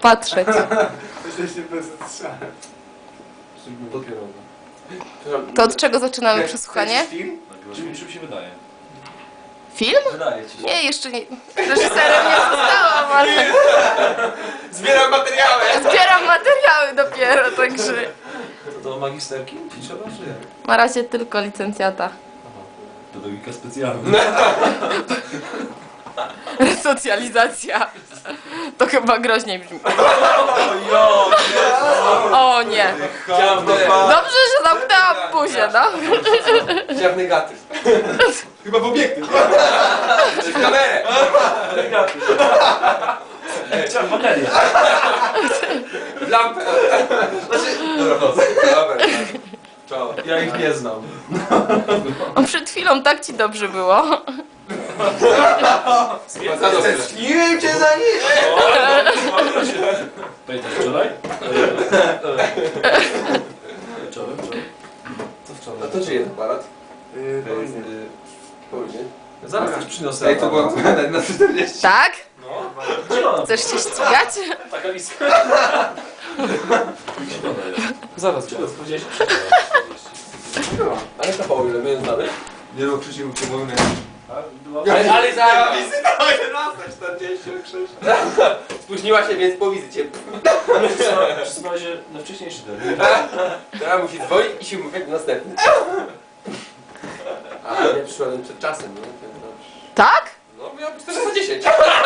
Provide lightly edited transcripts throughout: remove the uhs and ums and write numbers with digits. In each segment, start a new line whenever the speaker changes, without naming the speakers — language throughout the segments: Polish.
patrzeć.
Jesteście bez strzału.
To od czego zaczynamy przesłuchanie?
Film?
Czym się wydaje?
Film?
Wydaje ci się.
Nie, jeszcze nie. Reżyserem nie zostałam, ale
Zbieram materiały!
zbieram materiały dopiero, także
To magisterki ci trzeba, czy jak?
na razie tylko licencjata.
Pedagogika specjalna.
Resocjalizacja. To chyba groźniej brzmi.
Jo,
O nie. Dobrze, że zamknęłam buzię, no.
Chciałem negatyw. Chyba w obiektyw. Czy w kamerę.
Chciałem baterię.
W lampę. Znaczy... Dobra, wchodzę. Dobra. Czoło.
Ja ich nie znam.
Przed chwilą tak ci dobrze było.
Tęskniłem cię za nim!
Pamiętasz wczoraj? Wczoraj? Co wczoraj?
A to czyje to aparat? To jest... Powiedz.
Zaraz też przyniosę.
Ej, to była na 40.
Tak?
No.
Chcesz się ścigać?
Taka lista. Zaraz, powiedziałeś?
Ale to po ile my znamy? Nie no, Krzysiu, cię mówimy.
Ale
za wizytę o 11:46. Spóźniła się, więc po wizycie.
Przesuwa się na wcześniejszy termin.
Teraz musi dzwonić i się umówić na następny. A ja przyszedłem przed czasem, nie?
Tak?
No, miał być 410.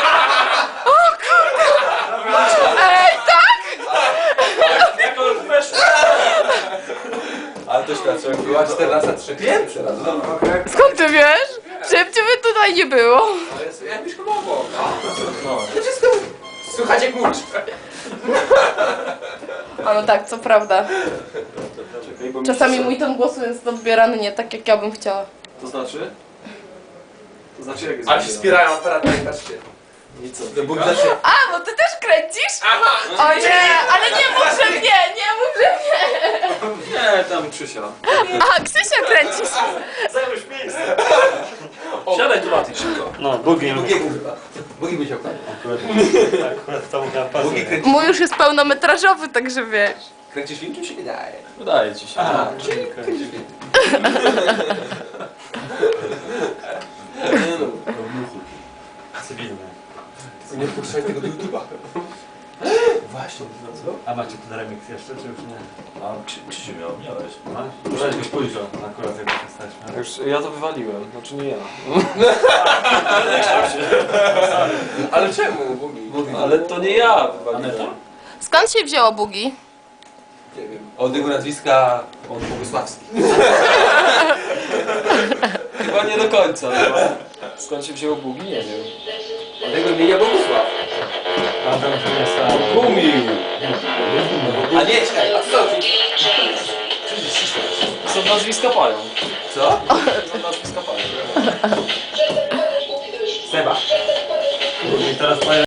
Ej, tak?
Jak on weszł?
Ale to świadczy, jak była 14:03. Pierwszy raz.
Skąd ty wiesz? Żeby ciebie tutaj nie było.
Ale ja mieszkam obok.
No.
To wszystko słychać jak murcz.
A no tak, co prawda.
Czekaj, bo mi
Czasami
się-
mój ton głosu jest odbierany nie tak, jak ja bym chciała.
To znaczy? To znaczy jak jest
Ale się
odbierane?
wspierają aparatami, patrzcie.
I co?
To Bóg zacznie.
A, bo ty też kręcisz? O nie, ale nie mów, że mnie, nie mów, że mnie.
Nie, tam Krzysia.
A, Krzysia kręcisz.
Zajmujesz miejsce. Siadaj tu, Mati, szybko.
No, Bugi.
Bugiego chyba. Bugi by się okradł.
Akurat to mówiła
Bugi
pasuje.
kręci.
Mój już jest pełnometrażowy, także wiesz.
Kręcisz film, czy się wydaje?
Wydaje ci się.
A, czyli kręcisz film.
Cywilne.
Nie wpuszczaj tego do YouTube'a.
Właśnie, no co?
A macie ten remix jeszcze, czy już nie?
A Krzysiu miałeś.
Masz? Muszę byś pójrzał akurat jak jesteśmy.
Już ja to wywaliłem, znaczy nie ja.
Ale czemu Bugi?
Ale to nie ja
Aneta?
wywaliłem.
Skąd się wzięło bugi?
Nie wiem. Od jego nazwiska on Bogusławski.
Chyba nie do końca. No. Skąd się wzięło bugi? Nie wiem.
Od jego imienia Bogusław.
A to już nie jest
Gumił!
A nie, czekaj, a co to
Są nazwiska pają.
Co?
Są nazwiska pają.
Seba.
I teraz twoje